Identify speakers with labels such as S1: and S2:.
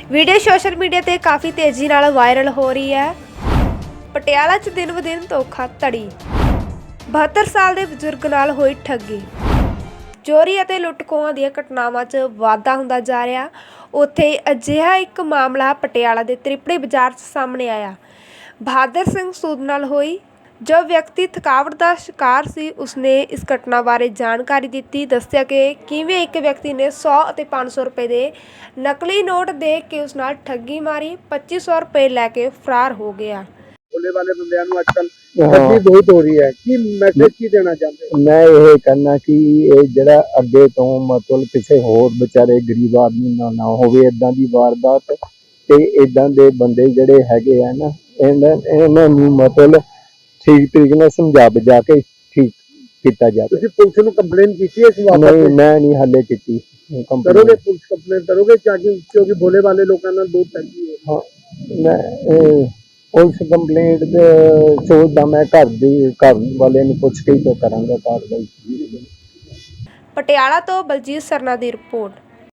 S1: Video social media ਤੇ ਕਾਫੀ ਤੇਜ਼ੀ ਨਾਲ ਵਾਇਰਲ ਹੋ ਰਹੀ ਹੈ। ਪਟਿਆਲਾ 'ਚ ਦਿਨ ਬ ਦਿਨ ਧੋਖਾਧੜੀ, 72 ਸਾਲ ਦੇ ਬਜ਼ੁਰਗ ਨਾਲ ਹੋਈ ਠੱਗੀ, ਚੋਰੀ ਅਤੇ ਲੁੱਟ-ਖੋਹਾਂ ਦੀਆਂ ਘਟਨਾਵਾਂ 'ਚ ਵਾਧਾ ਹੁੰਦਾ ਜਾ ਰਿਹਾ। ਉੱਥੇ ਅਜਿਹਾ ਇੱਕ ਮਾਮਲਾ ਪਟਿਆਲਾ ਦੇ ਤ੍ਰਿਪੜੀ ਬਾਜ਼ਾਰ 'ਚ ਸਾਹਮਣੇ ਆਇਆ। ਬਹਾਦਰ ਸਿੰਘ ਸੂਦ ਨਾਲ ਹੋਈ। ਜੋ ਵਿਅਕਤੀ ਥਕਾਵਟ ਦਾ ਸ਼ਿਕਾਰ ਸੀ, ਉਸਨੇ ਇਸ ਘਟਨਾ ਬਾਰੇ ਜਾਣਕਾਰੀ ਦਿੱਤੀ। ਦੱਸਿਆ ਕਿ ਕਿਵੇਂ ਇੱਕ ਵਿਅਕਤੀ ਨੇ 100 ਅਤੇ 500 ਰੁਪਏ ਦੇ ਨਕਲੀ ਨੋਟ ਦੇ ਕੇ ਉਸ ਨਾਲ ਠੱਗੀ ਮਾਰੀ। 2500 ਰੁਪਏ ਲੈ ਕੇ ਫਰਾਰ ਹੋ ਗਿਆ।
S2: ਭੋਲੇ ਵਾਲੇ ਬੰਦਿਆਂ ਨੂੰ ਅੱਜਕੱਲ ਠੱਗੀ ਬਹੁਤ ਹੋ ਰਹੀ ਹੈ। ਕੀ ਮੈਸੇਜ ਕੀ ਦੇਣਾ ਚਾਹੁੰਦੇ ਹੋ?
S3: ਮੈਂ ਇਹ ਕਹਿਣਾ ਕਿ ਇਹ ਜਿਹੜਾ ਅੱਗੇ ਤੋਂ ਮਤਲਬ ਕਿਸੇ ਹੋਰ ਵਿਚਾਰੇ ਗਰੀਬ ਆਦਮੀ ਨਾਲ ਨਾ ਹੋਵੇ ਇਦਾਂ ਦੀ ਵਾਰਦਾਤ, ਤੇ ਇਦਾਂ ਦੇ ਬੰਦੇ ਜਿਹੜੇ ਹੈਗੇ ਆ ਨਾ, ਇਹਨਾਂ ਨੂੰ ਮਤਲਬ ਠੀਕ ਤਰੀਕੇ ਨਾਲ ਸਮਝਾ ਬੁਝਾ ਕੇ ਠੀਕ ਕੀਤਾ ਜਾਵੇ।
S2: ਤੁਸੀਂ ਪੁਲਿਸ ਨੂੰ ਕੰਪਲੇਨ ਕੀਤੀ ਹੈ ਇਸ ਵਾਪਰ?
S3: ਨਹੀਂ, ਮੈਂ ਨਹੀਂ ਹਾਲੇ ਕੀਤੀ।
S2: ਕਰੋਗੇ ਪੁਲਿਸ ਕੰਪਲੇਨ ਕਰੋਗੇ ਕਿਉਂਕਿ ਭੋਲੇ ਵਾਲੇ ਲੋਕਾਂ ਨਾਲ ਬਹੁਤ ਠੱਗੀ ਹੈ।
S3: ਹਾਂ, ਮੈਂ ਪੁਲਿਸ ਕੰਪਲੇਂਟ ਸੋਚਦਾ, ਮੈਂ ਘਰ ਵਾਲੇ ਨੂੰ ਪੁੱਛ ਕੇ ਹੀ ਕਰਾਂਗਾ ਕਾਰਵਾਈ।
S1: ਪਟਿਆਲਾ ਤੋਂ ਬਲਜੀਤ ਸਰਨਾ ਦੀ ਰਿਪੋਰਟ।